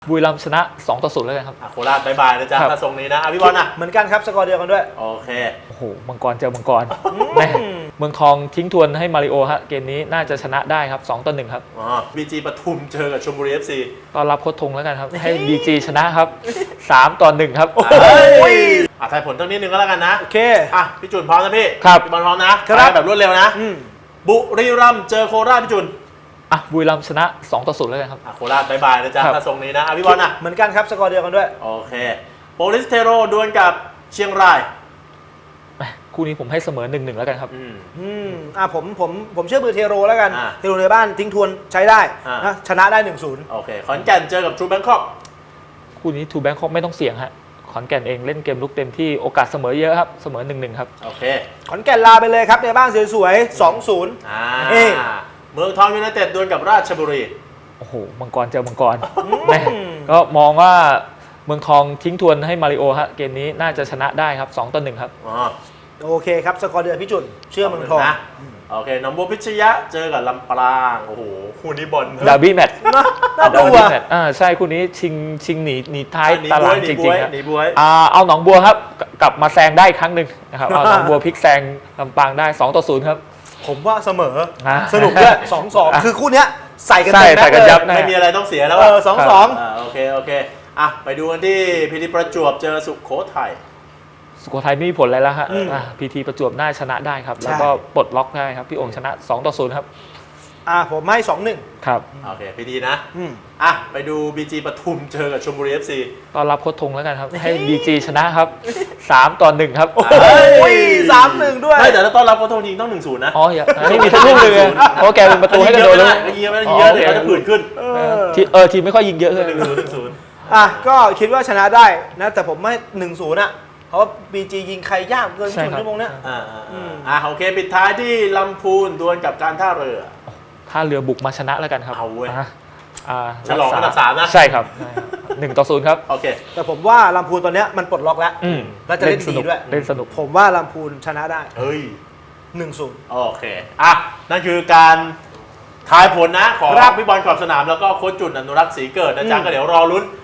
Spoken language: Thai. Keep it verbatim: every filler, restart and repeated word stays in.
บุรีรัมย์ชนะสองต่อศูนย์แล้วกันครับโคราชบายบายนะจ๊ะถ้าทรงนี้นะพี่บอลนะเหมือนกันครับสกอร์เดียวกันด้วยโอเคโอ้โหมังกรเจอมังกรแม่เมืองทองทิ้งทวนให้มาริโอฮะเกมนี้น่าจะชนะได้ครับสองต่อหนึ่งครับอ๋อบีจีปทุมเจอกับชลบุรี เอฟ ซีก็รับโค้ชทงแล้วกันครับให้ บี จี ชนะครับสามต่อหนึ่งครับอ่ะทายผลตั้งนิดนึงก็แล้วกันนะโอเคอ่ะพี่จุนพร้อมนะพี่ครับพี่บอลพร้อมนะครับแบบรวดเร็วนะบุรีรัมย์เจอโคราชพี่จุนอ่ะบุรีรัมย์ชนะสองต่อศูนย์แล้วกันครับโคราชบายบายนะจ๊ะถ้าทรงนี้นะพี่บอลนะเหมือนกันครับสกอร์เดียวกันด้วยโอเคโปลิสเทโรดวลกับเชียงรายคู่นี้ผมให้เสมอหนึ่งหนึ่งแล้วกันครับอืมอืมอ่ะผมผมผมเชื่อมือเทโรแล้วกันเทโรในบ้านทิ้งทวนใช้ได้นะชนะได้หนึ่งศูนย์โอเคขอนแก่นเจอกับทรูแบงคอกคู่นี้ทูแบงคอกไม่ต้องเสี่ยงฮะขอนแก่นเองเล่นเกมลุกเต็มที่โอกาสเสมอเยอะครับเสมอหนึ่งหนึ่งครับโอเคขอนแก่นลาไปเลยครับในบ้านสวยๆสองศูนย์อ่าเมืองทองยูไนเต็ดดวลกับราชบุรีโอ้โหมังกรเจอมังกรแม่ก็มองว่าเมืองทองทิ้งทวนให้มาริโอฮะเกมนี้น่าจะชนะได้ครับสองต่อหนึ่งครับอ๋อโอเคครับสกอร์เดือนพี่จุนเชื่อเมืองทองนะโอเคหนองบัวพิชยะเจอกับลำปางโอ้โหคู่นี้บอลดาร์บี้แมตช์น่าดูอ่ะอ่าใช่คู่นี้ชิงชิงหนีหนีท้ายตารางจริงๆครับอ่าเอาหนองบัวครับกลับมาแซงได้ครั้งหนึ่งนะครับเอาหนองบัวพลิกแซงลำปางได้สองต่อศูนย์ครับผมว่าเสมอสนุกด้วยสองสองคือคู่เนี้ยใส่กันเต็มแม็กเลยไม่มีอะไรต้องเสียแล้วเออสองสองโอเคโอเคอ่ะไปดูกันที่พีทีประจวบเจอสุโขทัยสุโขทัยไม่มีผลอะไรแล้วฮะพีทีประจวบน่าชนะได้ครับแล้วก็ปลดล็อกได้ครับพี่องค์ชนะสองต่อศูนย์ครับอ่าผมให้สองหนึ่งครับโอเคพีทีนะอ่ะไปดูบีจีปทุมเจอกับชลบุรี เอฟ ซีก็รับโค้ชทงแล้วกันครับให้ บี จี ชนะครับสามต่อหนึ่งครับโอ้ยสามหนึ่งด้วยไม่แต่ถ้าต้อนรับโค้ชทงจริงต้องหนึ่งศูนย์นะอ๋ออย่าไม่มีทั้งลูกเลยเพราะแกเป็นประตูให้กระโดดเลยยิงเยอะไม่ยิงเยอะเดี๋ยวเขาจะผื่นขึ้นเออทีมไม่ค่อยยิงเยอะเลยหนึ่งศูนย์หนึ่งศูนย์อ่ะก็คิดว่าชนะได้นะแต่ผมไม่หนึ่งศูนย์อ่ะเพราะบี จี ยิงใครยากเกินศูนย์ชั่วโมงเนี้ยอ่าอ่าโอเคปิดท้ายที่ลำพูนดวลกับการท่าเรือท่าเรือบุกมาชนะแล้วกันครับเอาเว้ยฉลองอันดับสามนะใช่ครับหนึ่งต่อศูนย์ครับโอเคแต่ผมว่าลำพูนตอนเนี้ยมันปลดล็อกแล้วแล้วจะเล่นดีด้วยเล่นสนุกผมว่าลำพูนชนะได้เฮ้ยหนึ่งศูนย์โอเคอ่ะนั่นคือการทายผลนะของพี่บอลขอบสนามแล้วก็โค้ชจุนอนุรักษ์ศรีเกิดนะจ๊ะก็เดี๋ยวรอลุ้น